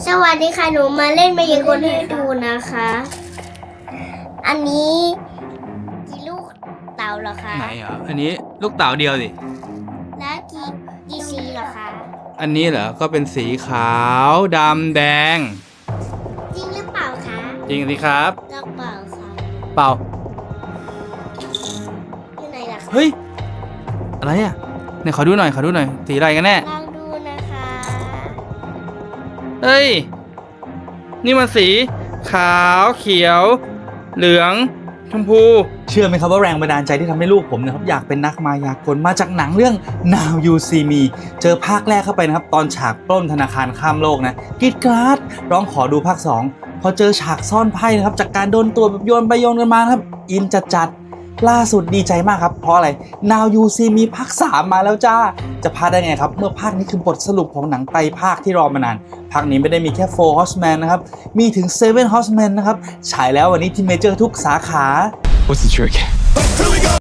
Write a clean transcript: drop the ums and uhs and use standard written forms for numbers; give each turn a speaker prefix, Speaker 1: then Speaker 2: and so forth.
Speaker 1: สวัสดีค่ะหนูมาเล่นมายากลให้ดูนะคะ อันนี้กี่ลูกเต่าเหรอคะ
Speaker 2: ไหนเหรออันนี้ลูกเต๋าเดียวสิ
Speaker 1: และกี่สีเหรอคะ
Speaker 2: อันนี้เหรอก็เป็นสีขาวดำแดง
Speaker 1: จริงหรือเปล่าคะ
Speaker 2: จริงสิครับ
Speaker 1: ลอกเปล่าค่ะ
Speaker 2: เปล่า
Speaker 1: อยู่ไหนล่ะคะ
Speaker 2: เฮ้ยอะไรอ่ะเนี่ยขอดูหน่อยสีอะไรกันแน่
Speaker 1: ลองดูนะคะ
Speaker 2: เฮ้ยนี่มันสีขาวเขียว เหลืองชมพู
Speaker 3: เชื่อไหมครับว่าแรงบันดาลใจที่ทำให้ลูกผมนะครับอยากเป็นนักมายากลมาจากหนังเรื่อง Now You See Me เจอภาคแรกเข้าไปนะครับตอนฉากปล้นธนาคารข้ามโลกนะกรีดกราดร้องขอดูภาค 2พอเจอฉากซ่อนไพ่นะครับจากการโดนตัวแบบโยนไปโยนกันมานะครับอินจัดล่าสุดดีใจมากครับเพราะอะไร Now You See Me ภาค 3 มาแล้วจ้าจะพลาดได้ไงครับเมื่อภาคนี้คือบทสรุปของหนังไตรภาคที่รอมานานภาคนี้ไม่ได้มีแค่ Four Horsemen นะครับมีถึง Seven Horsemen นะครับฉายแล้ววันนี้ที่เมเจอร์ทุกสาขา
Speaker 4: What's the trick?